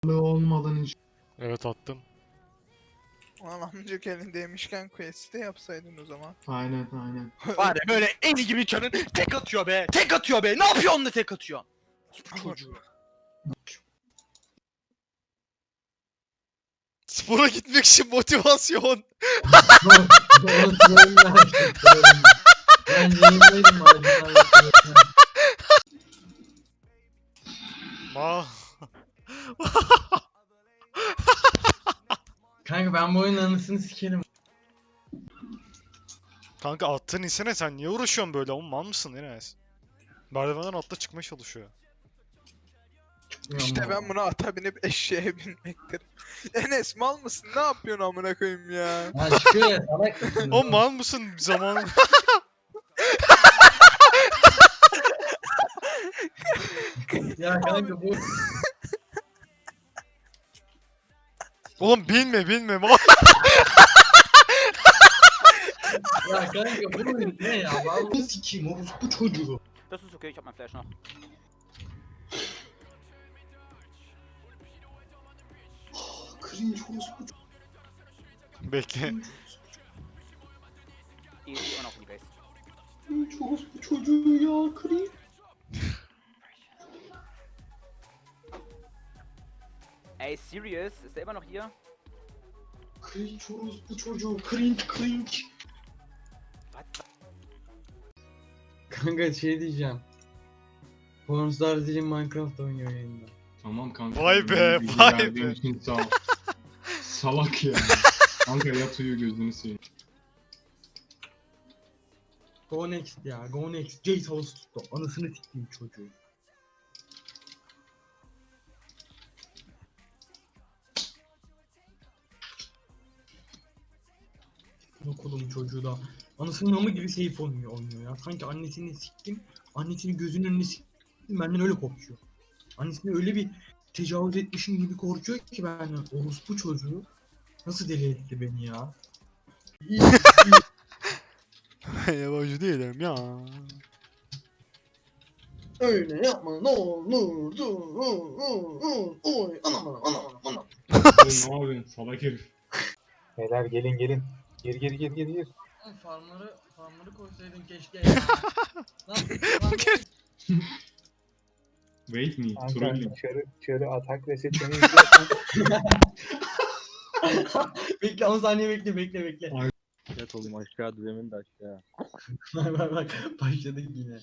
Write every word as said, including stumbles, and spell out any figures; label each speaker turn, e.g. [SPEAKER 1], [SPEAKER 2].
[SPEAKER 1] olmadan hiç.
[SPEAKER 2] Evet attım.
[SPEAKER 3] Ulan amcık elindeymişken quest'i yapsaydın o zaman.
[SPEAKER 1] Aynen aynen.
[SPEAKER 4] Var ya böyle eni gibi çarın tek atıyor be. Tek atıyor be. Ne yapıyor onunla tek atıyor? Bu çocuğu.
[SPEAKER 2] Spora gitmek için motivasyon.
[SPEAKER 1] Onu trollünden açtım. Ben yayındaydım marjinal.
[SPEAKER 2] Ma.
[SPEAKER 1] Kanka ben bu oyunun anısını sikerim.
[SPEAKER 2] Kanka attığın insene sen niye uğraşıyorsun böyle? Oğlum mal mısın Enes? Merdivenden atla çıkmaya çalışıyor.
[SPEAKER 3] İşte ben buna ata binip eşeğe binmektir. Enes mal mısın? Ne yapıyorsun amına koyayım ya?
[SPEAKER 1] Ha çıkıyor ya salak mısın?
[SPEAKER 2] Oğlum mal mısın zaman?
[SPEAKER 1] Ya kanka bu.
[SPEAKER 2] Oğlum binme binme mal.
[SPEAKER 1] Ya kanka bu oyun ne ya? Vallahi sikeyim o bu çocuğu.
[SPEAKER 5] Das ist okay, ich hab mein Flash noch.
[SPEAKER 1] Cringe orospu çocuğu.
[SPEAKER 2] Bekle.
[SPEAKER 5] Easy und auf die Base.
[SPEAKER 1] Cringe orospu çocuğu ya cringe.
[SPEAKER 5] Ey, serious? Ist der immer noch hier?
[SPEAKER 1] Cringe orospu çocuğu cringe cringe.
[SPEAKER 5] Was?
[SPEAKER 1] Kanka şey diyeceğim. Pornstar Zilin Minecraft oynuyor yayında.
[SPEAKER 6] Tamam kanka.
[SPEAKER 2] Vay be,
[SPEAKER 6] bilgi
[SPEAKER 2] vay
[SPEAKER 6] verdiğin
[SPEAKER 2] be.
[SPEAKER 6] için sağ ol. Salak ya. Kanka yat uyu gözünü seveyim.
[SPEAKER 1] Go next ya go next. Jace havası tuttu. Anasını sikeyim çocuğu. Okulum çocuğu da. Anasının namı gibi safe oynuyor, oynuyor ya. Sanki annesini siktim. Annesini gözünün önüne siktim. Benden öyle korkuyor. Annesine öyle bir tecavüz etmişim gibi korkuyor ki benden. Orospu çocuğu. Nasıl deli etti beni ya.
[SPEAKER 2] Yabancı değilim ya.
[SPEAKER 1] Öyle yapma ne olur dur oy anam anam anam anam.
[SPEAKER 6] Oğlum ne yapıyorsun salak herif.
[SPEAKER 7] Beyler gelin gelin. Gir gir gir gir gir.
[SPEAKER 1] Farmları farmları koysaydın keşke ya. Lan farmları...
[SPEAKER 6] Wait me,
[SPEAKER 7] Kanka
[SPEAKER 6] trolling.
[SPEAKER 7] çarı, çarı atak ve seçeneği izliyorsan
[SPEAKER 1] Bekle on saniye bekle bekle bekle.
[SPEAKER 7] yat oğlum aşağı düzemin de aşağı.
[SPEAKER 1] Bak bak bak başladık yine.